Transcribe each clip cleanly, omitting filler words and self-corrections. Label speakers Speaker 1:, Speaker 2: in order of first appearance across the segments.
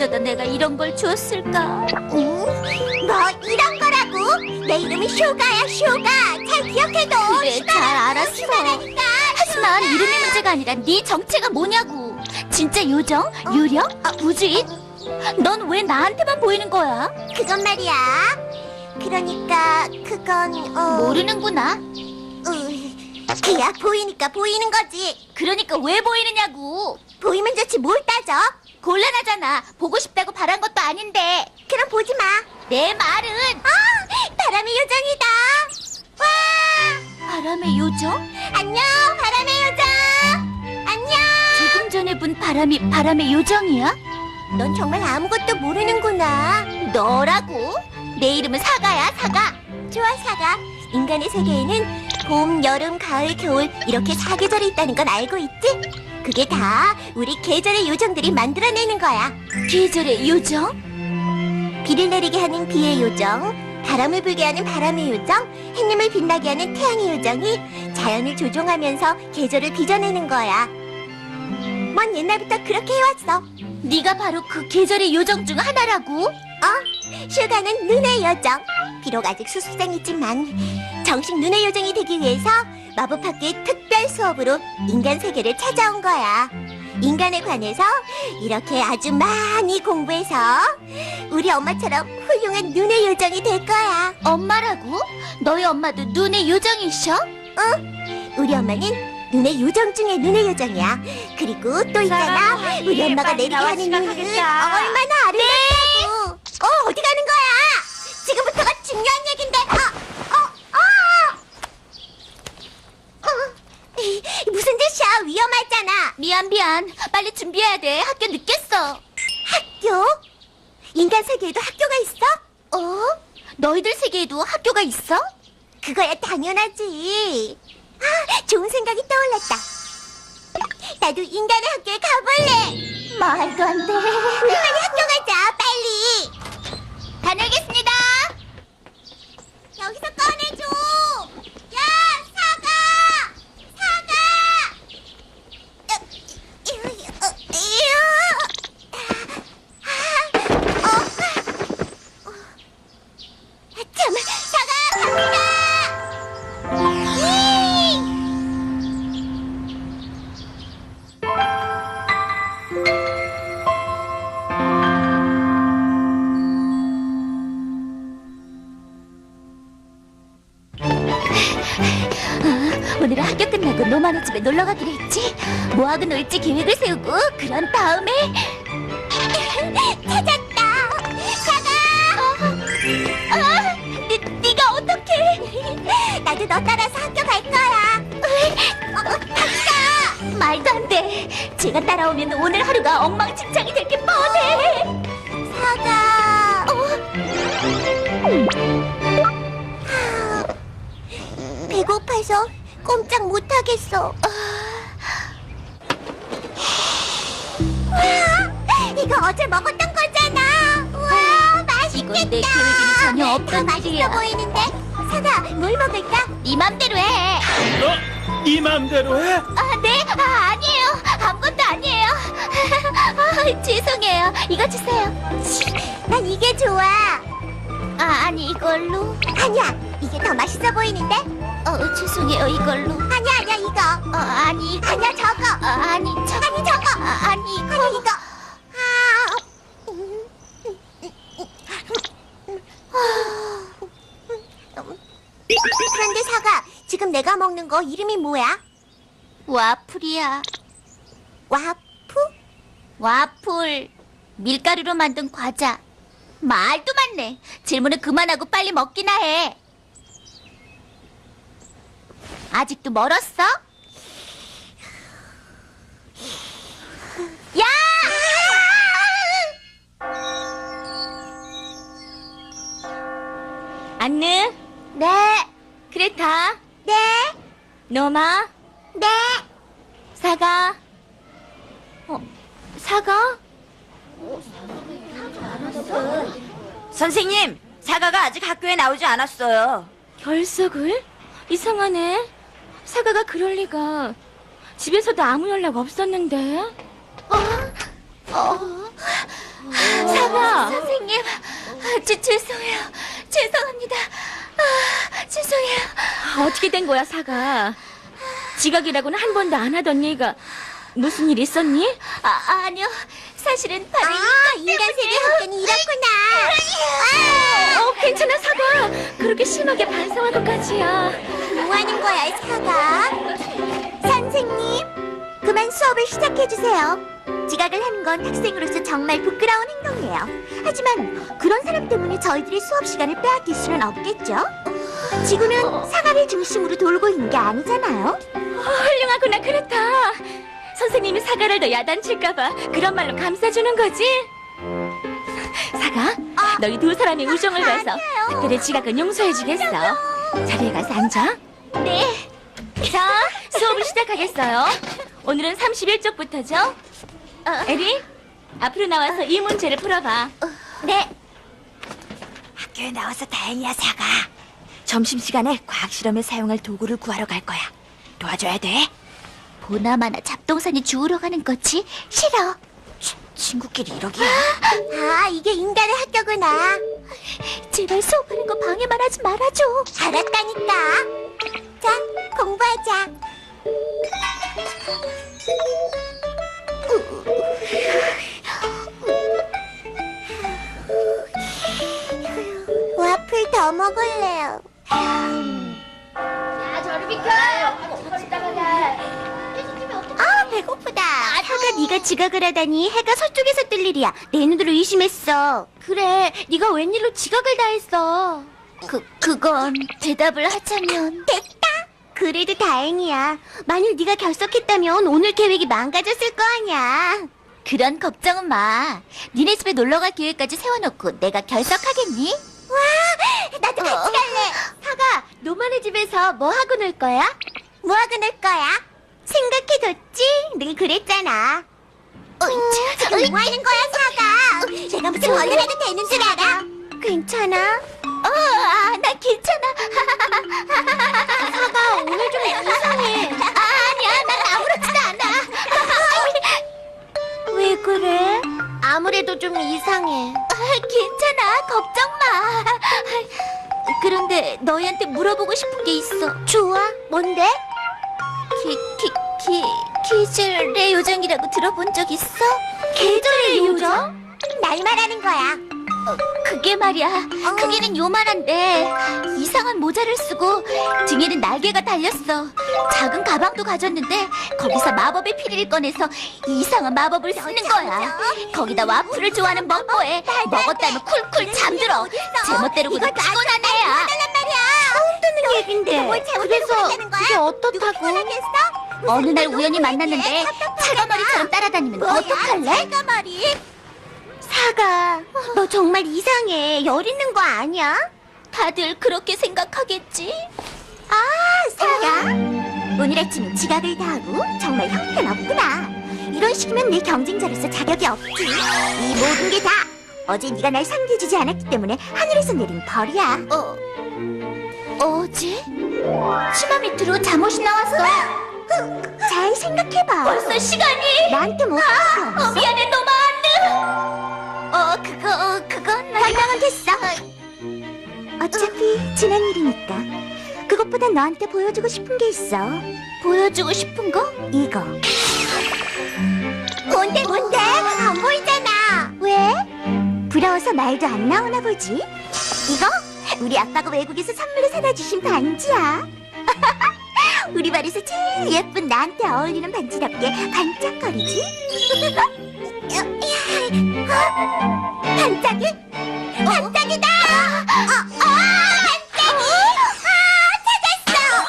Speaker 1: 때마다 내가 이런 걸 주었을까?
Speaker 2: 뭐 이런 거라고? 내 이름이 슈가야, 슈가. 잘 기억해둬.
Speaker 1: 그래, 잘 알았어.
Speaker 2: 슈가라니까.
Speaker 1: 하지만 이름이 문제가 아니라 네 정체가 뭐냐고. 진짜 요정? 유령? 부주인? 넌 왜 나한테만 보이는 거야?
Speaker 2: 그건 말이야. 그러니까 그건
Speaker 1: 모르는구나.
Speaker 2: 그야 보이니까 보이는 거지.
Speaker 1: 그러니까 왜 보이느냐고.
Speaker 2: 보이면 좋지 뭘 따져?
Speaker 1: 곤란하잖아. 보고 싶다고 바란 것도 아닌데.
Speaker 2: 그럼 보지 마.
Speaker 1: 내 말은
Speaker 2: 바람의 요정이다. 와,
Speaker 1: 바람의 요정?
Speaker 2: 안녕, 바람의 요정. 안녕.
Speaker 1: 조금 전에 본 바람이 바람의 요정이야?
Speaker 2: 넌 정말 아무것도 모르는구나.
Speaker 1: 너라고? 내 이름은 사가야, 사가.
Speaker 2: 좋아, 사가. 인간의 세계에는 봄, 여름, 가을, 겨울 이렇게 4계절이 있다는 건 알고 있지? 그게 다 우리 계절의 요정들이 만들어내는 거야.
Speaker 1: 계절의 요정?
Speaker 2: 비를 내리게 하는 비의 요정, 바람을 불게 하는 바람의 요정, 햇님을 빛나게 하는 태양의 요정이 자연을 조종하면서 계절을 빚어내는 거야. 먼 옛날부터 그렇게 해왔어.
Speaker 1: 네가 바로 그 계절의 요정 중 하나라고?
Speaker 2: 슈가는 눈의 요정. 비록 아직 수습생이지만 정식 눈의 요정이 되기 위해서 마법학교의 특별 수업으로 인간 세계를 찾아온 거야. 인간에 관해서 이렇게 아주 많이 공부해서 우리 엄마처럼 훌륭한 눈의 요정이 될 거야.
Speaker 1: 엄마라고? 너희 엄마도 눈의 요정이셔?
Speaker 2: 우리 엄마는 눈의 요정 중에 눈의 요정이야. 그리고 또 있잖아. 우리 엄마가 내리게 하는 눈은 얼마나 아름답다고. 어디 가는 거야? 지금부터가 중요한 얘긴데. 무슨 짓이야? 위험하잖아.
Speaker 1: 미안. 빨리 준비해야 돼. 학교 늦겠어.
Speaker 2: 학교? 인간 세계에도 학교가 있어?
Speaker 1: 너희들 세계에도 학교가 있어?
Speaker 2: 그거야 당연하지. 좋은 생각이 떠올랐다. 나도 인간의 학교에 가볼래.
Speaker 1: 말도 안 돼.
Speaker 2: 우리 빨리 학교 가자. 빨리.
Speaker 1: 다녀오겠습니다.
Speaker 2: 여기서 꺼내줘. 야, 사과. 참, 사과 갑니다.
Speaker 1: 오늘은 학교 끝나고 노마네 집에 놀러 가기로 했지. 뭐하고 놀지 계획을 세우고 그런 다음에
Speaker 2: 찾았다. 사과.
Speaker 1: 네가 어떡해?
Speaker 2: 나도 너 따라서 학교 갈 거야. 갑시다.
Speaker 1: 말도 안 돼. 제가 따라오면 오늘 하루가 엉망진창이 될 게 뻔해.
Speaker 2: 사과. 배고파서 꼼짝 못하겠어. 와, 이거 어제 먹었던 거잖아. 와, 맛있겠다.
Speaker 1: 이건 내 계획에는 전혀
Speaker 2: 더
Speaker 1: 없던
Speaker 2: 맛있어
Speaker 1: 일이야.
Speaker 2: 보이는데. 사과, 뭘 먹을까?
Speaker 1: 네 맘대로 해.
Speaker 3: 네 맘대로 해?
Speaker 1: 네? 아니에요. 아무것도 아니에요. 죄송해요. 이거 주세요.
Speaker 2: 난 이게 좋아.
Speaker 1: 아니 이걸로.
Speaker 2: 아니야, 이게 더 맛있어 보이는데.
Speaker 1: 죄송해요. 이걸로.
Speaker 2: 아니야, 이거.
Speaker 1: 아니 이거.
Speaker 2: 아니야, 저거.
Speaker 1: 아니 저거.
Speaker 2: 아니, 저거.
Speaker 1: 아니 이거.
Speaker 2: 아니, 이거. 그런데 사과, 지금 내가 먹는 거 이름이 뭐야?
Speaker 1: 와플이야.
Speaker 2: 와프?
Speaker 1: 와플. 밀가루로 만든 과자. 말도 많네. 질문을 그만하고 빨리 먹기나 해. 아직도 멀었어? 야!
Speaker 4: 안느,
Speaker 2: 네,
Speaker 4: 크레타,
Speaker 2: 네,
Speaker 4: 노마,
Speaker 2: 네.
Speaker 4: 사가. 사가? 선생님, 사가가 아직 학교에 나오지 않았어요. 결석을? 이상하네. 사가가 그럴 리가. 집에서도 아무 연락 없었는데. 사과.
Speaker 1: 선생님, 죄송해요. 죄송합니다. 죄송해요.
Speaker 4: 어떻게 된 거야, 사과? 지각이라고는 한 번도 안 하던 얘가 무슨 일 있었니?
Speaker 1: 아니요. 사실은 바로
Speaker 2: 인간 세계 학교는 이렇구나.
Speaker 4: 괜찮아, 사과. 그렇게 심하게 반성할 것까지야.
Speaker 2: 뭐 하는 거야, 사과? 선생님, 그만 수업을 시작해주세요. 지각을 하는 건 학생으로서 정말 부끄러운 행동이에요. 하지만 그런 사람 때문에 저희들이 수업 시간을 빼앗길 수는 없겠죠? 지구는 사과를 중심으로 돌고 있는 게 아니잖아요.
Speaker 4: 훌륭하구나, 그렇다. 선생님이 사과를 더 야단칠까봐 그런 말로 감싸주는 거지? 사과, 너희 두 사람의 우정을 봐서 특별히 지각은 용서해주겠어. 자리에 가서 앉아.
Speaker 1: 네.
Speaker 4: 자, 수업을 시작하겠어요. 오늘은 31쪽부터죠? 에리, 앞으로 나와서 이 문제를 풀어봐.
Speaker 1: 네.
Speaker 2: 학교에 나와서 다행이야, 사과. 점심시간에 과학실험에 사용할 도구를 구하러 갈 거야. 도와줘야 돼.
Speaker 1: 보나마나 잡동사니 주우러 가는 거지? 싫어.
Speaker 2: 친구끼리 이러기야. 이게 인간의 학교구나.
Speaker 1: 제발 수업하는 거 방해만 하지 말아줘.
Speaker 2: 알았다니까. 자, 공부하자. 와플 더 먹을래요. 배고프다.
Speaker 1: 사가 네가 지각을 하다니 해가 서쪽에서 뜰 일이야. 내 눈으로 의심했어. 그래, 네가 웬일로 지각을 다 했어. 그건 대답을 하자면
Speaker 2: 됐다.
Speaker 1: 그래도 다행이야. 만일 네가 결석했다면 오늘 계획이 망가졌을 거 아니야. 그런 걱정은 마. 니네 집에 놀러갈 계획까지 세워놓고 내가 결석하겠니?
Speaker 2: 나도 같이 갈래.
Speaker 1: 사가, 노마네 집에서 뭐 하고 놀 거야?
Speaker 2: 뭐 하고 놀 거야?
Speaker 1: 생각해뒀지? 늘 그랬잖아.
Speaker 2: 지금 뭐 하는 거야, 사과? 내가 무슨 원을 해도 되는 줄 알아?
Speaker 1: 괜찮아? 나 괜찮아. 사가, 오늘 좀 이상해. 아니야, 난 아무렇지도 않아. 왜 그래? 아무래도 좀 이상해. 괜찮아, 걱정 마. 그런데 너희한테 물어보고 싶은 게 있어. 좋아, 뭔데? 계절의 요정이라고 들어본 적 있어? 계절의 요정?
Speaker 2: 날 말하는 거야.
Speaker 1: 그게 말이야. 크기는 요만한데 이상한 모자를 쓰고 등에는 날개가 달렸어. 작은 가방도 가졌는데 거기서 마법의 피리를 꺼내서 이상한 마법을 쓰는 거야. 거기다 와플을 좋아하는 멍보에 먹었다면 쿨쿨 잠들어. 제멋대로 그거 피곤한 애야.
Speaker 2: 뜨는
Speaker 1: 얘긴데.
Speaker 2: 뭘 잘못해서
Speaker 1: 그래서
Speaker 2: 그러는 거야?
Speaker 1: 그게 어떻다고?
Speaker 2: 편하겠어?
Speaker 1: 어느 날 우연히 만났는데 사과머리처럼 따라다니면 어떡할래?
Speaker 2: 사과머리?
Speaker 1: 사과, 너 정말 이상해. 열 있는 거 아니야? 다들 그렇게 생각하겠지?
Speaker 2: 사과. 오늘 아침에 지각을 다 하고 정말 형편없구나. 이런 식이면 내 경쟁자로서 자격이 없지. 이 모든 게 다 어제 네가 날 상대해주지 않았기 때문에 하늘에서 내린 벌이야.
Speaker 1: 어제? 치마 밑으로 잠옷이 나왔어.
Speaker 2: 잘 생각해봐.
Speaker 1: 벌써 시간이.
Speaker 2: 나한테 못 봤어.
Speaker 1: 미안해, 노마한테. 그건
Speaker 2: 변명은 됐어. 어차피 지난 일이니까. 그것보다 너한테 보여주고 싶은 게 있어.
Speaker 1: 보여주고 싶은 거?
Speaker 2: 이거. 뭔데? 안 보이잖아.
Speaker 1: 왜?
Speaker 2: 부러워서 말도 안 나오나 보지? 이거 우리 아빠가 외국에서 선물로 사다 주신 반지야. 우리 반에서 제일 예쁜 나한테 어울리는 반지답게 반짝거리지? 반짝이? 반짝이다! 반짝이! 찾았어!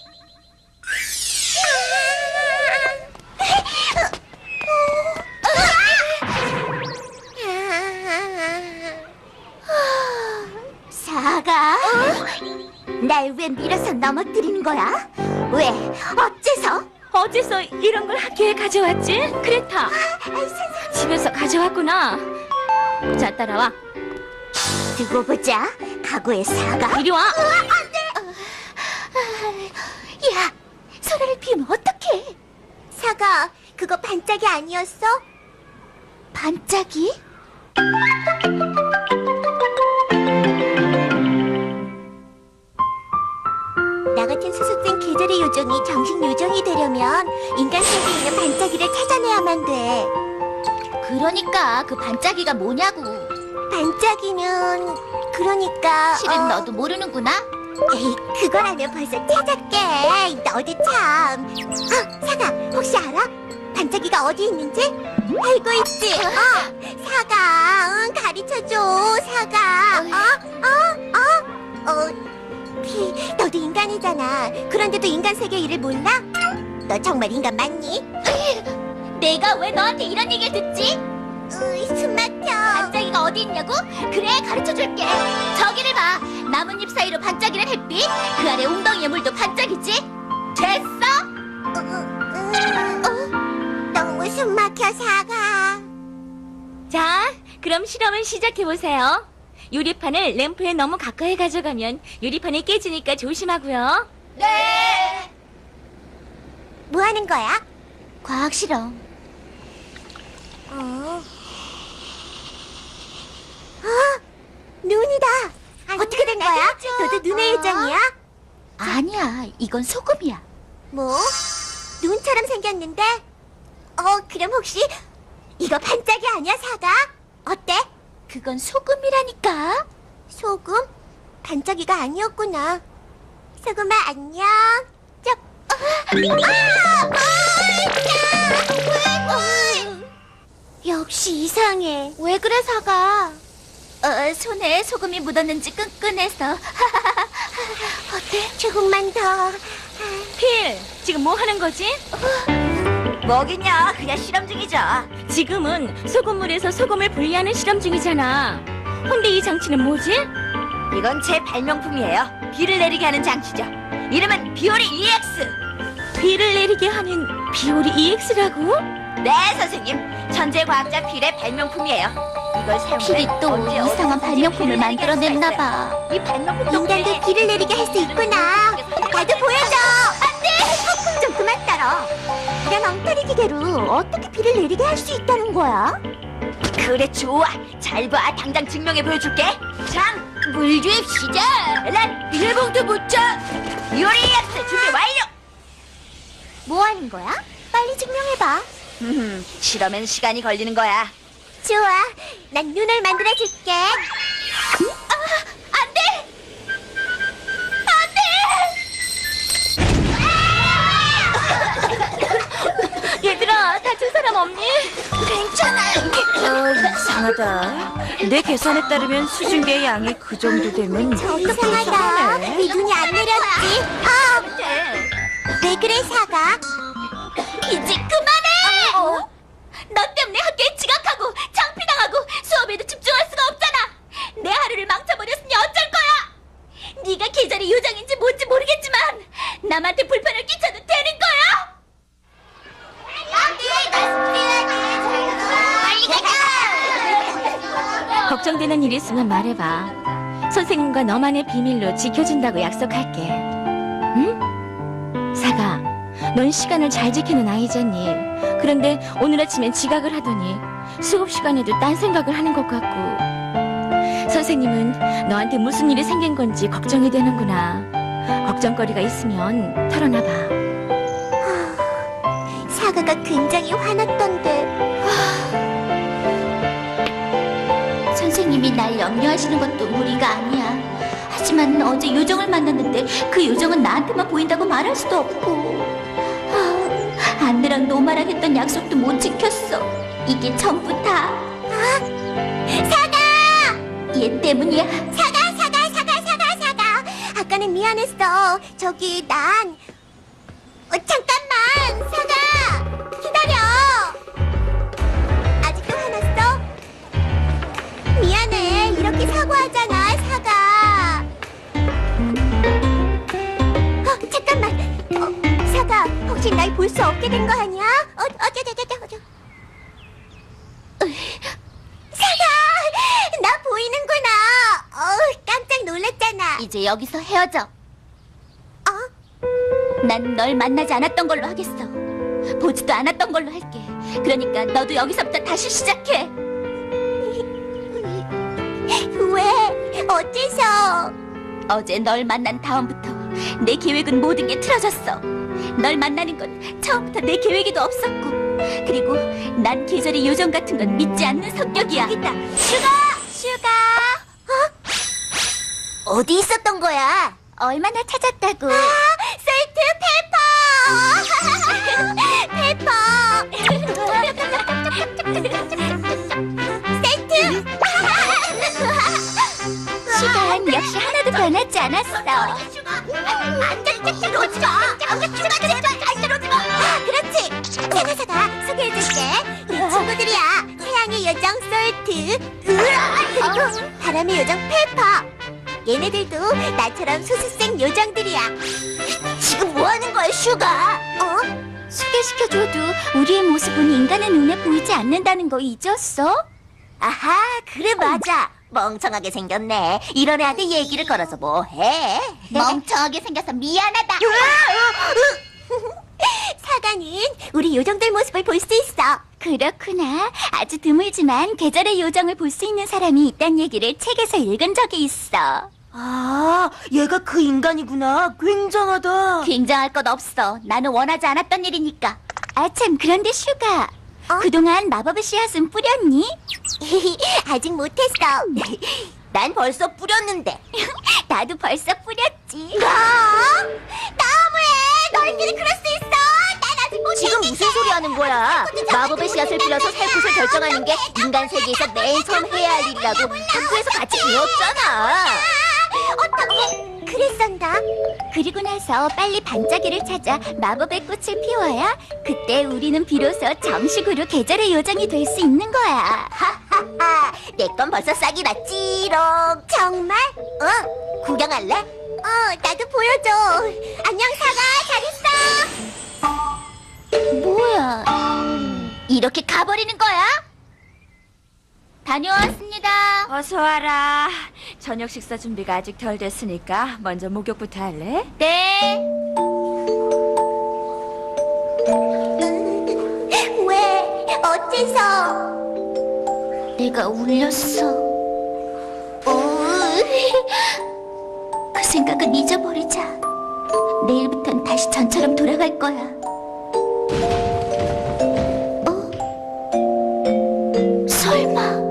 Speaker 2: 사과? 날 왜 밀어서 넘어뜨리는 거야? 왜? 어째서?
Speaker 4: 어째서 이런 걸 학교에 가져왔지? 그레타, 집에서 가져왔구나. 자, 따라와.
Speaker 2: 두고 보자. 각오의 사과.
Speaker 4: 이리 와.
Speaker 1: 야, 소라를 피우면 어떡해?
Speaker 2: 사과, 그거 반짝이 아니었어?
Speaker 1: 반짝이?
Speaker 2: 나 같은 수습생 계절의 요정이 정식 요정이 되려면 인간 세계에 있는 반짝이를 찾아내야만 돼.
Speaker 1: 그러니까 그 반짝이가 뭐냐고.
Speaker 2: 반짝이는 그러니까
Speaker 1: 실은 너도 모르는구나.
Speaker 2: 에이, 그거라면 벌써 찾았게. 너도 참. 사가, 혹시 알아? 반짝이가 어디 있는지? 알고 있지? 사가, 응, 가르쳐줘, 사가. 피, 너도 인간이잖아. 그런데도 인간 세계 일을 몰라? 너 정말 인간 맞니?
Speaker 1: 내가 왜 너한테 이런 얘기를 듣지?
Speaker 2: 숨 막혀.
Speaker 1: 반짝이가 어디 있냐고? 그래, 가르쳐줄게. 저기를 봐. 나뭇잎 사이로 반짝이는 햇빛. 그 아래 웅덩이의 물도 반짝이지? 됐어?
Speaker 2: 너무 숨 막혀, 사가.
Speaker 4: 자, 그럼 실험을 시작해보세요. 유리판을 램프에 너무 가까이 가져가면 유리판이 깨지니까 조심하고요.
Speaker 1: 네.
Speaker 2: 뭐 하는 거야?
Speaker 1: 과학 실험.
Speaker 2: 눈이다. 어떻게 된 거야? 너도 눈의 요정이야?
Speaker 1: 아니야, 이건 소금이야.
Speaker 2: 뭐? 눈처럼 생겼는데? 그럼 혹시 이거 반짝이 아니야, 사가? 어때?
Speaker 1: 그건 소금이라니까.
Speaker 2: 소금? 반짝이가 아니었구나. 소금아, 안녕. 역시 이상해. 왜 그래, 사가?
Speaker 1: 손에 소금이 묻었는지 끈끈해서.
Speaker 2: 어때? 조금만 더.
Speaker 4: 필, 지금 뭐 하는 거지?
Speaker 5: 뭐겠냐? 그냥 실험 중이죠.
Speaker 4: 지금은 소금물에서 소금을 분리하는 실험 중이잖아. 근데 이 장치는 뭐지?
Speaker 5: 이건 제 발명품이에요. 비를 내리게 하는 장치죠. 이름은 비오리 EX.
Speaker 4: 비를 내리게 하는 비오리 EX라고?
Speaker 5: 네, 선생님. 천재 과학자 필의 발명품이에요. 이걸 사용해
Speaker 1: 필이 또
Speaker 5: 언제
Speaker 1: 이상한
Speaker 5: 어디서든지
Speaker 1: 발명품을
Speaker 5: 비를 내리게 할 수가
Speaker 1: 만들어냈나
Speaker 5: 있어요.
Speaker 1: 봐.
Speaker 5: 이 발명품
Speaker 2: 인간도 비를 내리게 할 수 있구나. 나도 보여줘. 안 돼. 좀 그만 따라. 이런 엉터리 기계로 어떻게 비를 내리게 할 수 있다는 거야?
Speaker 5: 그래, 좋아. 잘 봐. 당장 증명해 보여줄게. 장, 물 주입시다. 난 비닐봉투 묻혀. 비오리 EX 준비 완료.
Speaker 2: 뭐 하는 거야? 빨리 증명해봐.
Speaker 5: 실험엔 시간이 걸리는 거야.
Speaker 2: 좋아. 난 눈을 만들어줄게.
Speaker 1: 안 돼!
Speaker 4: 얘들아, 다친 사람 없니?
Speaker 5: 이상하다. 내 계산에 따르면 수증기의 양이 그 정도 되면
Speaker 2: 이상하다. 네 눈이 안 내렸지. 왜 그래, 사가?
Speaker 1: 이제 그만해! 너 때문에 학교에 지각하고 창피당하고 수업에도 집중할 수가 없잖아. 내 하루를 망쳐버렸으니 어쩔 거야. 네가 계절의 요정인지 뭔지 모르겠지만 남한테 불편을 끼쳐도 되는 거야?
Speaker 2: 빨리 가자.
Speaker 4: 걱정되는 일 있으면 말해봐. 선생님과 너만의 비밀로 지켜준다고 약속할게. 응? 사가, 넌 시간을 잘 지키는 아이잖니. 그런데 오늘 아침엔 지각을 하더니 수업 시간에도 딴 생각을 하는 것 같고. 선생님은 너한테 무슨 일이 생긴 건지 걱정이 되는구나. 걱정거리가 있으면 털어놔봐.
Speaker 2: 사가가 굉장히 화났던데.
Speaker 1: 선생님이 날 염려하시는 것도 무리가 아니야. 하지만 어제 요정을 만났는데 그 요정은 나한테만 보인다고 말할 수도 없고 안느랑 노마랑 했던 약속도 못 지켰어. 이게 전부 다
Speaker 2: 사가!
Speaker 1: 얘 때문이야.
Speaker 2: 사가! 아까는 미안했어. 저기 난 잠깐만, 사가! 기다려. 아직도 화났어? 미안해. 이렇게 사과하잖아, 사가. 잠깐만. 사가, 혹시 날 볼 수 없게 된 거 아니야? 어쩌. 사가! 나 보이는구나. 깜짝 놀랐잖아.
Speaker 1: 이제 여기서 헤어져.
Speaker 2: 어?
Speaker 1: 난 널 만나지 않았던 걸로 하겠어. 보지도 않았던 걸로 할게. 그러니까 너도 여기서부터 다시 시작해.
Speaker 2: 어째서?
Speaker 1: 어제 널 만난 다음부터 내 계획은 모든 게 틀어졌어. 널 만나는 건 처음부터 내 계획에도 없었고, 그리고 난 계절의 요정 같은 건 믿지 않는 성격이야.
Speaker 2: 여기다. 슈가. 어디 있었던 거야?
Speaker 1: 얼마나 찾았다고.
Speaker 2: 솔트 페퍼. 세트.
Speaker 1: 시간 역시 하나도 변하지 않았어.
Speaker 2: 들어오지 마. 슈가 제발 안 들어오지 마. 그렇지. 사가 소개해줄게. 우리 친구들이야. 태양의 요정 솔트. 그리고 바람의 요정 페퍼. 얘네들도 나처럼 소수생 요정들이야. 지금 뭐 하는 거야, 슈가?
Speaker 1: 소개시켜줘도 우리의 모습은 인간의 눈에 보이지 않는다는 거 잊었어?
Speaker 2: 아하, 그래 맞아. 멍청하게 생겼네. 이런 애한테 얘기를 걸어서 뭐해?
Speaker 1: 멍청하게 생겨서 미안하다.
Speaker 2: 사과는 우리 요정들 모습을 볼 수 있어.
Speaker 1: 그렇구나. 아주 드물지만 계절의 요정을 볼 수 있는 사람이 있다는 얘기를 책에서 읽은 적이 있어.
Speaker 5: 아, 얘가 그 인간이구나. 굉장하다.
Speaker 1: 굉장할 것 없어. 나는 원하지 않았던 일이니까. 아참, 그런데 슈가. 그동안 마법의 씨앗은 뿌렸니?
Speaker 2: 아직 못했어. 난 벌써 뿌렸는데.
Speaker 1: 나도 벌써 뿌렸지.
Speaker 2: 뭐? 너무해. 너희들이 그럴 수 있어. 난 아직 못했는데.
Speaker 5: 지금 무슨 소리 하는 거야? 마법의 씨앗을 빌어서 살 곳을 결정하는 게 인간 세계에서 맨 처음 해야 할 일이라고 학교에서 같이 배웠잖아.
Speaker 2: 어떻게 그랬었나?
Speaker 1: 그리고 나서 빨리 반짝이를 찾아 마법의 꽃을 피워야 그때 우리는 비로소 정식으로 계절의 요정이 될 수 있는 거야.
Speaker 2: 하하하. 내 건 벌써 싹이 났지롱. 정말? 구경할래? 나도 보여줘. 안녕, 사과. 잘 있어.
Speaker 1: 뭐야? 이렇게 가버리는 거야? 다녀왔습니다.
Speaker 5: 어서 와라. 저녁 식사 준비가 아직 덜 됐으니까 먼저 목욕부터 할래?
Speaker 1: 네.
Speaker 2: 왜? 어째서?
Speaker 1: 내가 울렸어. 그 생각은 잊어버리자. 내일부턴 다시 전처럼 돌아갈 거야. 설마.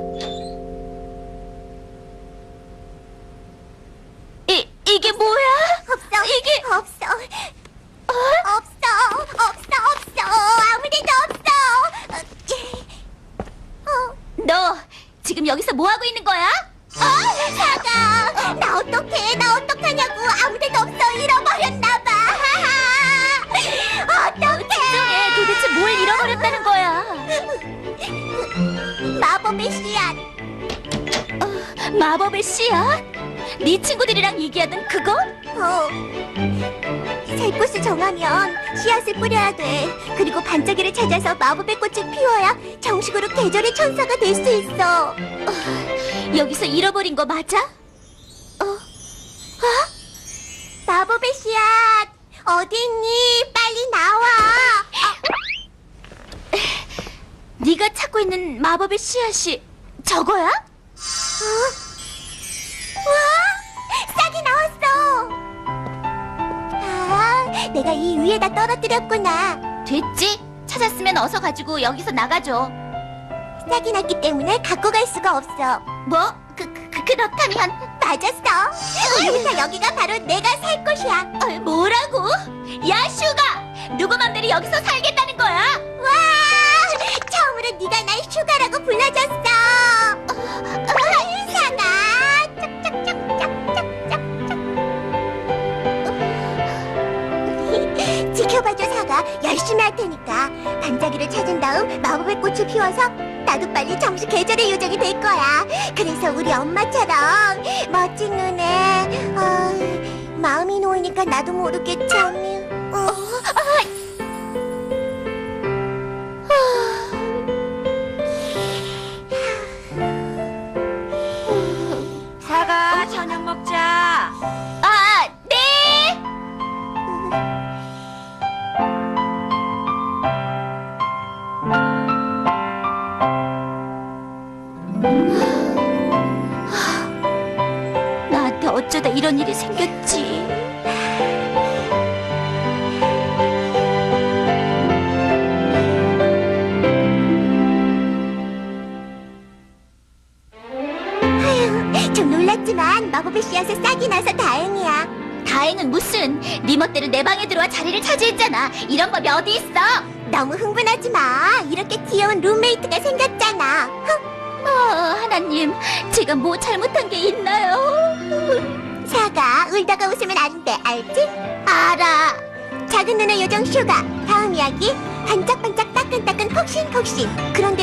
Speaker 1: 이게 뭐야?
Speaker 2: 없어.
Speaker 1: 이게-
Speaker 2: 없어. 없어. 아무 데도 없어.
Speaker 1: 너 지금 여기서 뭐 하고 있는 거야?
Speaker 2: 사과. 나 어떡하냐고. 아무 데도 없어. 잃어버렸나 봐. 어떡해.
Speaker 1: 진정해. 도대체 뭘 잃어버렸다는 거야?
Speaker 2: 마법의 씨앗.
Speaker 1: 마법의 씨앗? 네 친구들이랑 얘기하던 그거?
Speaker 2: 살 곳을 정하면 씨앗을 뿌려야 돼. 그리고 반짝이를 찾아서 마법의 꽃을 피워야 정식으로 계절의 천사가 될 수 있어.
Speaker 1: 여기서 잃어버린 거 맞아?
Speaker 2: 마법의 씨앗 어디 있니? 빨리 나와.
Speaker 1: 네가 찾고 있는 마법의 씨앗이 저거야?
Speaker 2: 와, 싹이 나왔어. 내가 이 위에다 떨어뜨렸구나.
Speaker 1: 됐지? 찾았으면 어서 가지고 여기서 나가줘.
Speaker 2: 싹이 났기 때문에 갖고 갈 수가 없어.
Speaker 1: 뭐? 그렇다면
Speaker 2: 맞았어. 오늘부터 여기가 바로 내가 살 곳이야.
Speaker 1: 뭐라고? 야 슈가! 누구 맘대로 여기서 살겠다는 거야?
Speaker 2: 와! 처음으로 네가 날 슈가라고 불러줬어. 사가. 지켜봐줘, 사가. 열심히 할 테니까. 반짝이를 찾은 다음 마법의 꽃을 피워서 나도 빨리 정식 계절의 요정이 될 거야. 그래서 우리 엄마처럼 멋진 눈에 마음이 놓이니까 나도 모르게 잠이.
Speaker 5: 사과, 저녁 먹자.
Speaker 1: 네!
Speaker 2: 하지만 마법의 씨앗을 싹이 나서 다행이야.
Speaker 1: 다행은 무슨. 네 멋대로 내 방에 들어와 자리를 차지했잖아. 이런 법이 어디 있어?
Speaker 2: 너무 흥분하지 마. 이렇게 귀여운 룸메이트가 생겼잖아.
Speaker 1: 하나님, 제가 뭐 잘못한 게 있나요?
Speaker 2: 사가 울다가 웃으면 안 돼. 알지?
Speaker 1: 알아.
Speaker 2: 작은 눈의 요정 슈가. 다음 이야기 반짝반짝 따끈따끈 폭신폭신. 그런데